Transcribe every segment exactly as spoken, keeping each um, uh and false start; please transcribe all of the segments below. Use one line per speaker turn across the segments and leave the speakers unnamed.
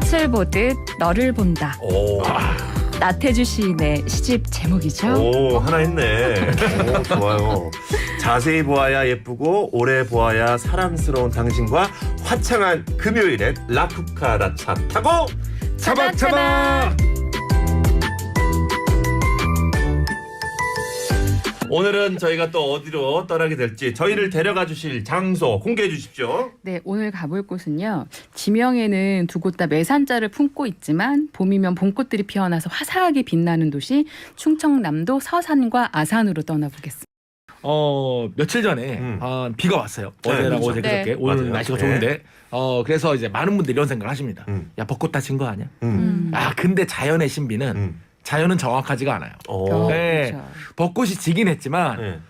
꽃을 보듯 너를 본다.
오.
나태주 시인의 시집 제목이죠.
오, 하나 했네. 오, 좋아요. 자세히 보아야 예쁘고 오래 보아야 사랑스러운 당신과 화창한 금요일엔 라쿠카라차 타고
차박, 차박!
오늘은 저희가 또 어디로 떠나게 될지 저희를 데려가 주실 장소 공개해 주십시오.
네, 오늘 가볼 곳은요. 지명에는 두 곳 다 매산자를 품고 있지만 봄이면 봄꽃들이 피어나서 화사하게 빛나는 도시 충청남도 서산과 아산으로 떠나보겠습니다.
어 며칠 전에
음.
아, 비가 왔어요.
네,
어제랑
그렇죠.
어제
네.
그저께 오늘
맞아요.
날씨가
네.
좋은데 어 그래서 이제 많은 분들이 이런 생각을 하십니다.
음.
야 벚꽃 다친 거 아니야?
음.
아 근데 자연의 신비는
음.
자연은 정확하지가 않아요.
오.
네.
그렇죠.
벚꽃이 지긴 했지만
네.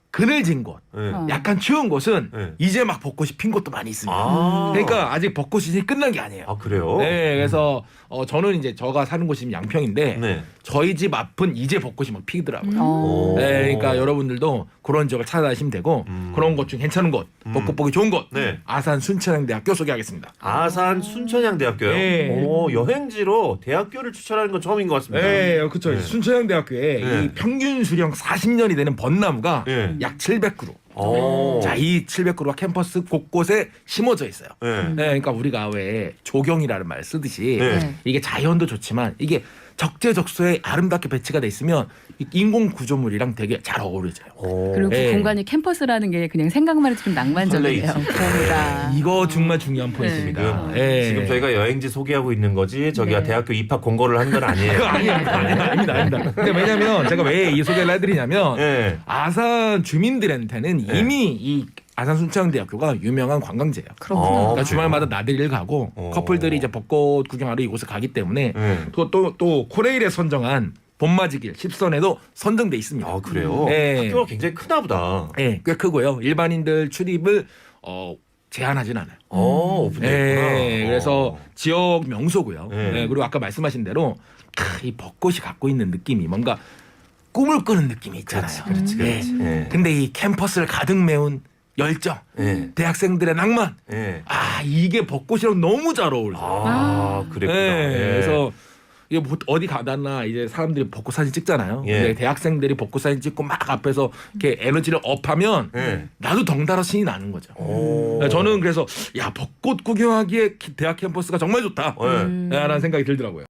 그늘진 곳,
네.
어.
약간 추운 곳은
네.
이제 막 벚꽃이 핀 곳도 많이 있습니다.
아.
그러니까 아직 벚꽃 시즌이 끝난 게 아니에요.
아, 그래요?
네, 그래서 어, 저는 이제 저가 사는 곳이 양평인데
네.
저희 집 앞은 이제 벚꽃이 막 피더라고요.
어.
오.
네, 그러니까 여러분들도 그런 지역을 찾아다니시면 되고
음.
그런 곳 중 괜찮은 곳,
음.
벚꽃 보기 좋은 곳,
네.
아산 순천향대학교 소개하겠습니다.
아산 순천향대학교요?
네.
오, 여행지로 대학교를 추천하는 건 처음인 것 같습니다.
네, 그렇죠.
네.
순천향대학교에
네.
이 평균 수령 사십 년이 되는 벚나무가
네.
약 칠백 그루.
오.
자, 이 칠백 그루가 캠퍼스 곳곳에 심어져 있어요.
네.
네, 그러니까 우리가 왜 조경이라는 말을 쓰듯이
네.
네.
이게 자연도 좋지만 이게 적재적소에 아름답게 배치가 돼 있으면 이 인공 구조물이랑 되게 잘 어우러져요.
오.
그리고 그
네.
공간이 캠퍼스라는 게 그냥 생각만 해도 좀 낭만적이에요.
설레이지.
그러니까.
이거 정말 중요한 포인트입니다.
지금,
예.
지금 저희가 여행지 소개하고 있는 거지 저기가
네.
대학교 입학 공고를 한 건 아니에요.
그거 아니에요. 아닙니다. 아닙니다. 아닙니다. 근데 왜냐면 제가 왜 이 소개를 해드리냐면
네.
아산 주민들한테는
네.
이미 이 아산 순천향대학교가 유명한 관광지예요.
그렇구나.
어.
그러니까 주말마다 나들이를 가고
어.
커플들이 이제 벚꽃 구경하러 이곳에 가기 때문에
네.
또 또 또 코레일에 선정한 봄맞이길 십선에도 선정돼 있습니다.
아, 그래요?
네.
학교가 굉장히 크나 보다.
네, 꽤 크고요. 일반인들 출입을 어, 제한하진 않아요.
어, 오픈되어 있구나.
네, 그래서
어.
지역 명소고요.
네.
네, 그리고 아까 말씀하신 대로 크, 이 벚꽃이 갖고 있는 느낌이 뭔가 꿈을 꾸는 느낌이 있잖아요.
그렇지,
네.
그렇지. 네.
근데 이 캠퍼스를 가득 메운 열정,
네.
대학생들의 낭만,
네.
아 이게 벚꽃이랑 너무 잘 어울려요.
아, 그랬구나.
네,
예.
그래서 이게 뭐 어디 가다나 이제 사람들이 벚꽃 사진 찍잖아요.
예.
근데 대학생들이 벚꽃 사진 찍고 막 앞에서 이렇게 에너지를 업하면
예.
나도 덩달아 신이 나는 거죠.
오.
네, 저는 그래서 야 벚꽃 구경하기에 기- 대학 캠퍼스가 정말 좋다.
네.
음.
라는 생각이 들더라고요.